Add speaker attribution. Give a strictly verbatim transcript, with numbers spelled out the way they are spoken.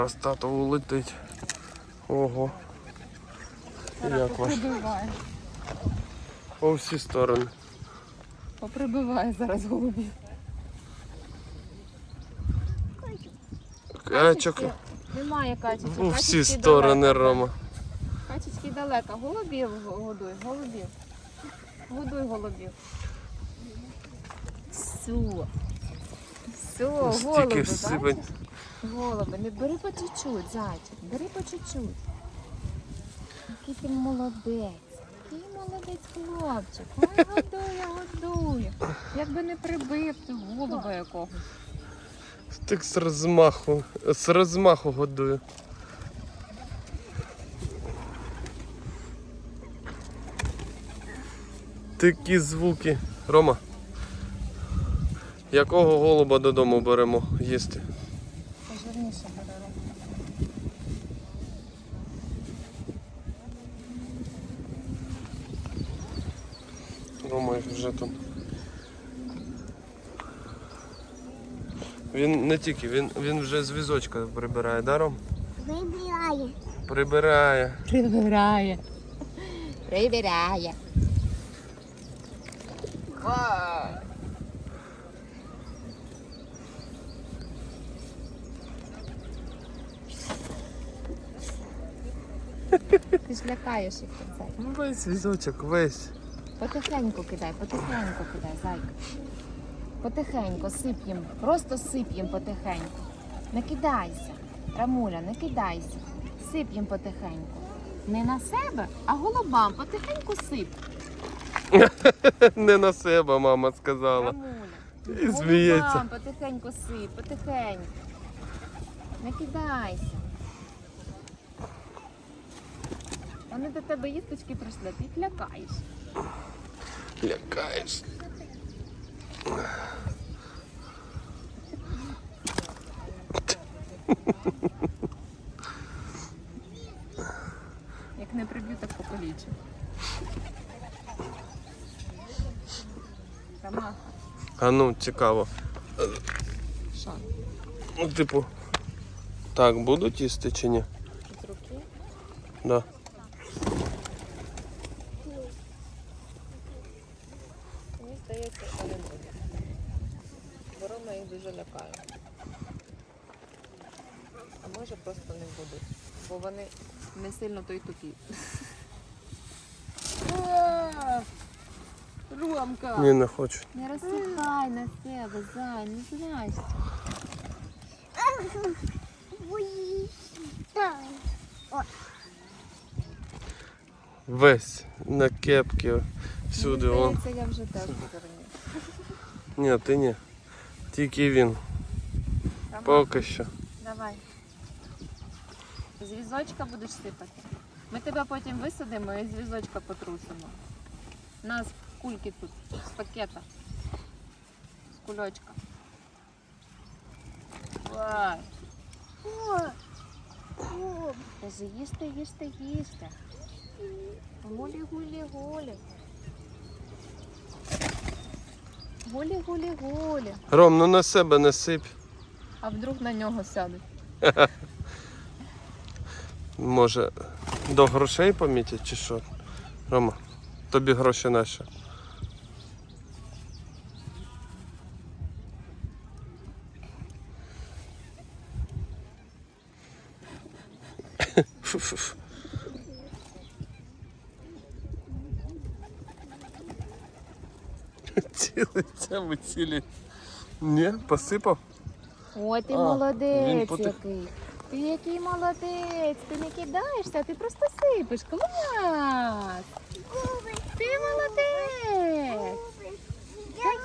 Speaker 1: Раз тато улетить. Ого. Як ваш? По всі сторони.
Speaker 2: Поприбиває зараз голубів.
Speaker 1: Качок.
Speaker 2: Немає качечок.
Speaker 1: У всі
Speaker 2: Качечки
Speaker 1: сторони,
Speaker 2: далеко.
Speaker 1: Рома.
Speaker 2: Качечки далеко. Голубів годуй, голубів. Годуй голубів. Все. Все,
Speaker 1: Стільки
Speaker 2: голуби,
Speaker 1: всипать.
Speaker 2: бачиш? Голуби, не бери по чуть-чуть, зайчик, бери по чуть-чуть. Який ти молодець. Який молодець хлопчик. Ой, годує, годує. Якби не прибив ти голуба якогось.
Speaker 1: Так з розмаху, з розмаху годую. Такі звуки. Рома, якого голуба додому беремо їсти?
Speaker 2: Пожирніше беремо.
Speaker 1: Рома вже там. Він не тільки, він, він вже з візочка прибирає, да, Ром?
Speaker 3: Вибирає.
Speaker 1: Прибирає.
Speaker 2: Прибирає. Прибирає. Ти ж лякаєш їх, зайка.
Speaker 1: Ну весь візочок, весь.
Speaker 2: Потихеньку кидай, потихеньку кидай, зайка. Потихеньку, сип їм, просто сип їм потихеньку. Не кидайся, Рамуля, не кидайся. Сип їм потихеньку. Не на себе, а голубам потихеньку сип.
Speaker 1: Не на себе, мама сказала.
Speaker 2: Рамуля.
Speaker 1: І сміється.
Speaker 2: Голубам потихеньку сип, потихеньку. Не кидайся. Вони до тебе їсточки прийшли, ти їх лякаєш.
Speaker 1: Лякаєш.
Speaker 2: Як не приб'ю, так покалічу. Ромаха.
Speaker 1: А ну, цікаво.
Speaker 2: Що?
Speaker 1: Ну, типу, так, будуть їсти чи ні?
Speaker 2: З руки?
Speaker 1: Да.
Speaker 2: Мені здається, що не буде. Бо Рома їх дуже лякає. А може просто не будуть. Бо вони не сильно то й тупі. Ромка!
Speaker 1: Ні, не хочуть.
Speaker 2: Не розсихай на себе, зай, не злазь.
Speaker 3: Боїться.
Speaker 1: Весь на кепки, всюди
Speaker 2: Мені
Speaker 1: он.
Speaker 2: здається, я вже теж позирню.
Speaker 1: Ні, ти ні. Тільки він. Поки що.
Speaker 2: Давай. З візочка будеш сипати. Ми тебе потім висадимо і з візочка потрусимо. У нас кульки тут з пакета. З кульочка. Давай. Кажи, їсти, їсти, їсти. Гулі, гулі, гулі. Гулі, гулі, гулі.
Speaker 1: Ром, ну на себе не сип.
Speaker 2: А вдруг на нього сядуть?
Speaker 1: Може, до грошей помітять чи що? Рома, тобі гроші наші. Фу-фу-фу. Цілиться, ви цілі. Ні, посипав?
Speaker 2: Ой, ти
Speaker 1: А,
Speaker 2: молодець
Speaker 1: він потих-
Speaker 2: який. Ти який молодець. Ти не кидаєшся, ти просто сипиш. Клас. Ти молодець.